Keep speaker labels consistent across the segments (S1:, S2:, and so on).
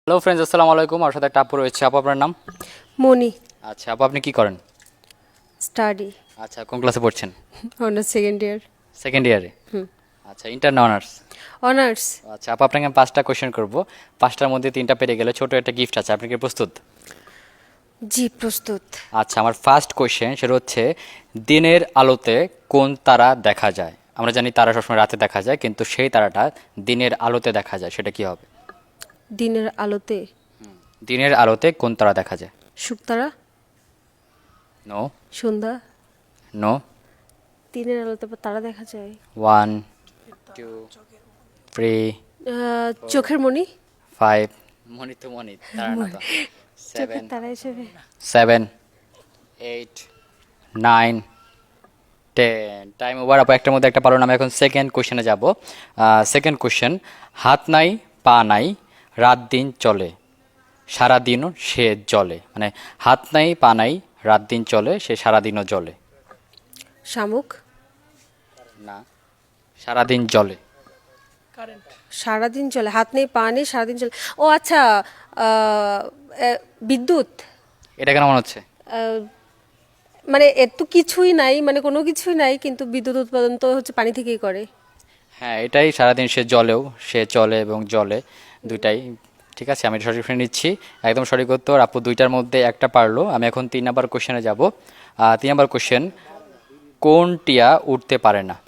S1: Hello friends, আসসালামু আলাইকুম। আমার সাথে একটা আপু রয়েছে। আপু, আপনার নাম?
S2: মনি।
S1: আচ্ছা আপু, আপনি কি করেন?
S2: স্টাডি।
S1: আচ্ছা, কোন ক্লাসে পড়ছেন?
S2: Honours second year.
S1: সেকেন্ড ইয়ারে? আচ্ছা, ইন্টার না অনার্স?
S2: অনার্স।
S1: আচ্ছা আপু, আপনাকে আমি 5টা কোয়েশ্চেন করব। 5টার মধ্যে 3টা পেরে গেলে ছোট একটা গিফট আছে। আপনি কি প্রস্তুত?
S2: জি, প্রস্তুত।
S1: আচ্ছা, আমার ফার্স্ট কোয়েশ্চেন সেটা হচ্ছে, দিনের আলোতে কোন তারা দেখা যায়? আমরা জানি তারা সবসময় রাতে দেখা যায়, কিন্তু সেই তারাটা দিনের আলোতে দেখা যায়, সেটা কি হবে?
S2: দিনের আলোতে?
S1: দিনের আলোতে কোন তারা দেখা যায়?
S2: শুকতারা।
S1: নো।
S2: সন্ধ্যা।
S1: নো।
S2: দিনের আলোতে আবার তারা দেখা যায়?
S1: 1 2 3
S2: চোখের মণি।
S1: 5 মনি তো মনি, তারা না তো।
S2: চোখের
S1: 7
S2: তারা হিসেবে।
S1: 7 8 9 10 টাইম ওভার। আপু, একটার মধ্যে একটা পারো না। আমি এখন সেকেন্ড কোশ্চেনে যাব। সেকেন্ড কোশ্চেন, হাত নাই পা নাই, রাত দিন চলে, সারা দিনও সে জ্বলে। মানে হাত নাই পা নাই, রাত দিন চলে, সে সারা দিনও জ্বলে।
S2: শামুক।
S1: না, সারাদিন জ্বলে।
S2: সারাদিন চলে, হাত নেই পা নেই, সারাদিন চলে। ও আচ্ছা। আহ, বিদ্যুৎ।
S1: এটা কেন মনে হচ্ছে?
S2: আহ, মানে এর তো কিছুই নাই, মানে কোনো কিছুই নাই, কিন্তু বিদ্যুৎ উৎপাদন তো হচ্ছে পানি থেকেই করে।
S1: হ্যাঁ, এটাই, সারাদিন সে জলেও, সে চলে এবং জলে, দুইটাই। ঠিক আছে, আমি সঠিক শুনে নিচ্ছি। একদম সঠিক উত্তর। আপু 2টার মধ্যে একটা পারলো। আমি এখন 3 নাম্বার কোশ্চেনে যাব। 3 নাম্বার কোশ্চেন, কোন টিয়া উঠতে পারে না?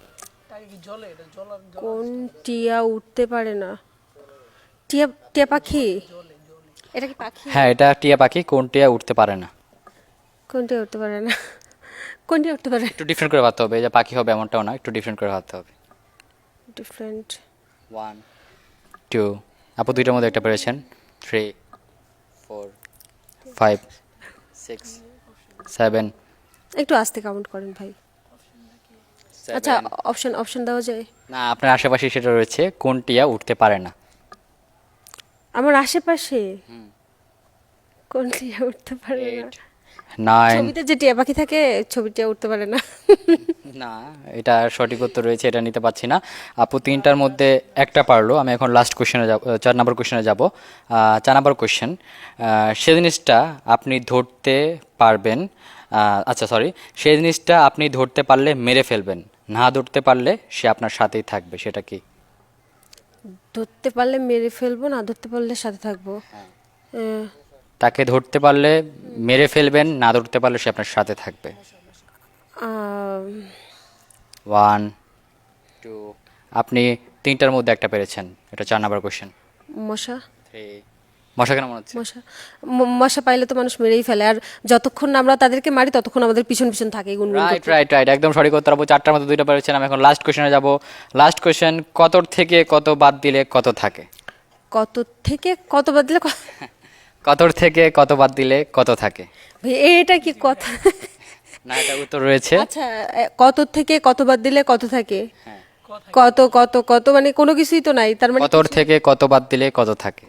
S2: কোন টিয়া উঠতে পারে না? টিয়া। টিয়া পাখি। এটা কি পাখি?
S1: হ্যাঁ, এটা টিয়া পাখি। কোন টিয়া উঠতে পারে না?
S2: কোনটা উঠতে পারে না? কোনটা উঠতে পারে?
S1: একটু ডিফারেন্ট করে ভাবতে হবে, এই যে পাখি হবে এমনটাও না, একটু ডিফারেন্ট করে ভাবতে হবে।
S2: ডিফারেন্ট।
S1: 1 2 আপু 2টার মধ্যে একটা পেরেছেন। 3 4 5 6 7
S2: একটু আস্তে কাউন্ট করেন ভাই। আচ্ছা,
S1: 7
S2: অপশন অপশন দেওয়া যায়?
S1: না, আপনার আশেপাশে সেটা রয়েছে, কোন টিয়া উঠতে পারে না?
S2: আমার আশেপাশে কোন টিয়া উঠতে পারে না?
S1: 8 9
S2: ছবিতে যে টিয়া পাখি থাকে, ছবি টিয়া উঠতে পারে না।
S1: না, এটা সঠিক উত্তর রয়েছে, এটা নিতে পারছি না। আপু 3টার মধ্যে একটা পারলো। আমি এখন লাস্ট কোশ্চেনে যাব, 4 নম্বর কোশ্চেনে যাব। 4 নম্বর কোশ্চেন, সে জিনিসটা আপনি ধরতে পারবেন, আচ্ছা সরি, সেই জিনিসটা আপনি ধরতে পারলে মেরে ফেলবেন, না ধরতে পারলে সে আপনার সাথেই থাকবে, সেটা কি?
S2: ধরতে পারলে মেরে ফেলবো, না ধরতে পারলে সাথে থাকবো। আহ,
S1: তাকে ধরতে পারলে মেরে ফেলবেন, না ধরতে পারলে সে আপনার সাথে থাকবে।
S2: আহ,
S1: 1 2 আপনি 3টার মধ্যে একটা পেরেছেন। এটা 4 নম্বর কোশ্চেন।
S2: মশা।
S1: 3 মশা কেন মনে হচ্ছে?
S2: মশা। মশা পাইলে তো মানুষ মেরেই ফেলে, আর যতক্ষণ না আমরা তাদেরকে মারি ততক্ষণ আমাদের পিছন পিছন থাকে গুনগুন
S1: রাইট
S2: করতে।
S1: রাইট রাইট, একদম সঠিক উত্তর। আপু 4টার মধ্যে 2টা পেরেছেন। আমি এখন লাস্ট কোশ্চেনে যাব। লাস্ট কোশ্চেন, কত থেকে কত বাদ দিলে কত থাকে?
S2: কত থেকে কত বাদ দিলে
S1: কতর থেকে কত বাদ দিলে কত থাকে?
S2: ভাই, এটা কি কথা?
S1: না, এটা উত্তর রয়েছে।
S2: আচ্ছা, কত থেকে কত বাদ দিলে কত থাকে?
S1: হ্যাঁ,
S2: কত কত কত মানে কোনো কিছুই তো নাই, তার মানে
S1: কতর থেকে কত বাদ দিলে কত থাকে?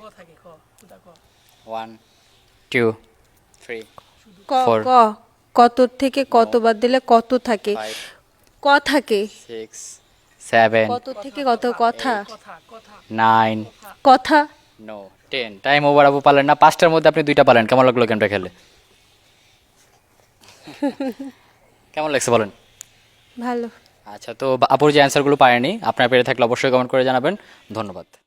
S1: 1 2 3
S2: ক
S1: 4
S2: ক কত থেকে কত বাদ দিলে কত থাকে?
S1: 5
S2: ক থাকে।
S1: 6 7
S2: কত থেকে কত কথা?
S1: 9
S2: কথা।
S1: নো 10। Time over. আপু পারলেন না। 5টার মধ্যে আপনি 2টা পারলেন। কেমন লাগলো গেমটা খেলে? কেমন লাগছে বলেন?
S2: ভালো।
S1: আচ্ছা, তো আপুর যে অ্যান্সারগুলো পারেনি, আপনার পেরে থাকলে অবশ্যই কমেন্ট করে জানাবেন। ধন্যবাদ।